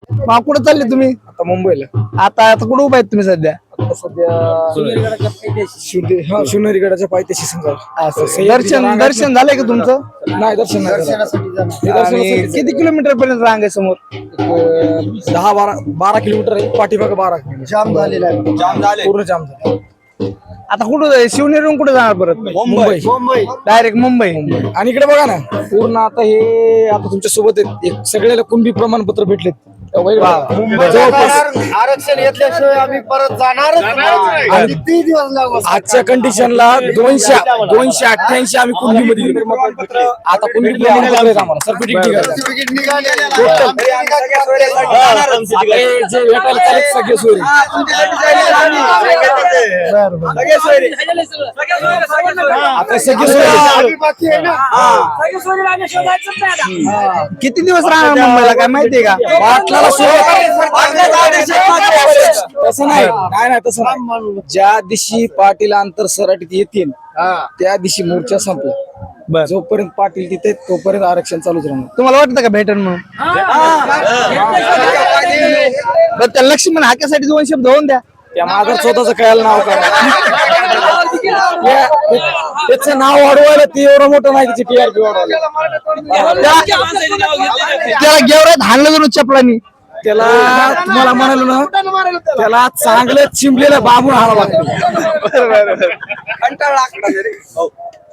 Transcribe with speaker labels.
Speaker 1: मग कुठे चालले तुम्ही?
Speaker 2: आता मुंबईला.
Speaker 1: आता कुठे उभा आहेत तुम्ही सध्या?
Speaker 2: आता सध्या शिवनेरी गडाच्या पायथ्याशी समजा.
Speaker 1: दर्शन झालंय का तुमचं?
Speaker 2: नाही, दर्शन नाही झालं.
Speaker 1: आणि किती किलोमीटर पर्यंत रांग आहे समोर?
Speaker 2: 12 किलोमीटर आहे, पाठीमागं 12 किलोमीटर.
Speaker 3: जाम झालेला आहे.
Speaker 2: पूर्ण जाम झालं.
Speaker 1: आता कुठं शिवनेरीहून कुठे जाणार परत?
Speaker 2: मुंबई.
Speaker 1: डायरेक्ट मुंबई.
Speaker 2: आणि इकडे बघा ना, पूर्ण आता हे आता तुमच्या सोबत आहेत, सगळ्याला कुणबी प्रमाणपत्र भेटलेत.
Speaker 3: आरक्षण घेतल्याशिवाय आम्ही परत जाणारच नाही.
Speaker 2: आणि
Speaker 3: किती दिवस लागू
Speaker 2: आजच्या कंडिशनला 288 आम्ही कुणबीमध्ये गेलो. आता कुणबी प्रमाणपत्र आहेत आम्हाला, सर्टिफिकेट निघाले. जे भेटायला चालेल सगळे सोयी. आता सगळे सोयी.
Speaker 3: बाकी आहे ना.
Speaker 1: किती दिवस राहणार मुंबईला काय माहितीये का?
Speaker 2: पाटलाला तसं नाही, नाही तसं नाही. ज्या दिवशी पाटील आंतर सराटीत येतील त्या दिवशी मोर्चा संपला. जोपर्यंत पाटील तिथे तोपर्यंत आरक्षण चालूच राहणार.
Speaker 1: तुम्हाला वाटतं का भेटन म्हणून? बरं, त्या लक्ष्मण हाक्यासाठी 2 शब्द होऊन द्या.
Speaker 2: त्या माघार स्वतःच कळायला नाव त्याचं नाव वाढवायला ते एवढं मोठं नाही, त्याची टीआरपी वाढवायला.
Speaker 1: त्याला गेवरात हाणलं जाऊन चपलानी.
Speaker 2: त्याला तुम्हाला म्हणालो ना, त्याला चांगलं चिंबलेलं बाबून हाणा लागतो.